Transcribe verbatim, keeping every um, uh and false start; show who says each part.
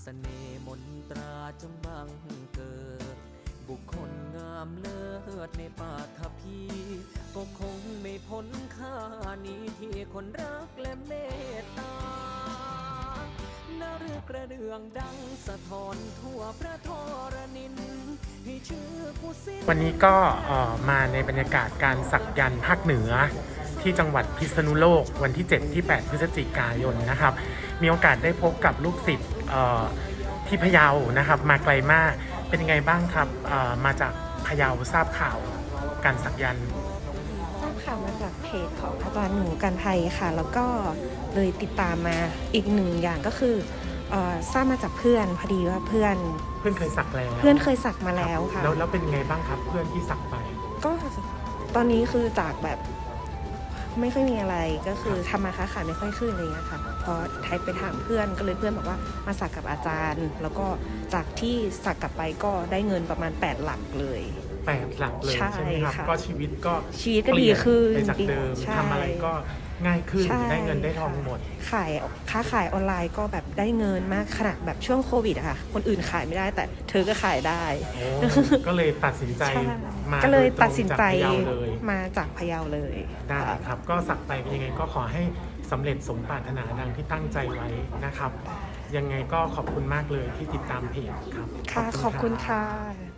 Speaker 1: เสน่ห์มนตราจงบังเกิดบุคคลงามเลิศในปาฐพีก็คงไม่พ้นค่านี้ที่คนรักและเมตตานาฤกระเดืองดังสะท้อนทั่วพระธรณินให้ชื่อผู้สิ้น
Speaker 2: วันนี้ก็มาในบรรยากาศการสักยันต์ภาคเหนือที่จังหวัดพิษณุโลกวันที่ เจ็ด ที่ แปด พฤศจิกายนนะครับมีโอกาสได้พบกับลูกศิษย์ที่พะเยานะครับมาไกลมากเป็นยังไงบ้างครับมาจากพะเยาทราบข่าวการสักยันต์
Speaker 3: ทราบข่าวมาจากเพจของอาจารย์หนูกันไทยค่ะแล้วก็เลยติดตามมาอีกหนึ่งอย่างก็คือทราบมาจากเพื่อนพอดีว่าเพื่อน
Speaker 2: เพื่อนเคยสักแล้ว
Speaker 3: เพื่อนเคยสักมาแล้วค่ะ
Speaker 2: แล้วแล้วเป็นยังไงบ้างครับเพื่อนที่สักไป
Speaker 3: ก็ตอนนี้คือจากแบบไม่ค่อยมีอะไรก็คือทำมาค้าขายไม่ค่อยขึ้นอะไรเงี้ยค่ะพอไทยไปถามเพื่อนก็เลยเพื่อนบอกว่ามาสักกับอาจารย์แล้วก็จากที่สักกลับไปก็ได้เงินประมาณแปดหลักเลย
Speaker 2: แปดหลักเลยใช่ไหมครับก็ชีวิตก็
Speaker 3: ชีวิตก็ดีขึ้น
Speaker 2: ไปจากเดิมทำอะไรก็ง่ายขึ้นได้เงินได้ทองหมด
Speaker 3: ขายค้าขายออนไลน์ก็แบบได้เงินมากขนาดแบบช่วงโควิดอะค่ะคนอื่นขายไม่ได้แต่เธอก็ขายได้
Speaker 2: ก็เลยตัดสินใจมา
Speaker 3: ก็เลยตัดสินใจมาจากพะเยาเลย
Speaker 2: ได้ครับก็สักไปยังไงก็ขอให้สำเร็จสมปรารถนาดังที่ตั้งใจไว้นะครับยังไงก็ขอบคุณมากเลยที่ติดตามเพจครับ
Speaker 3: ค่ะขอบคุณค่ะ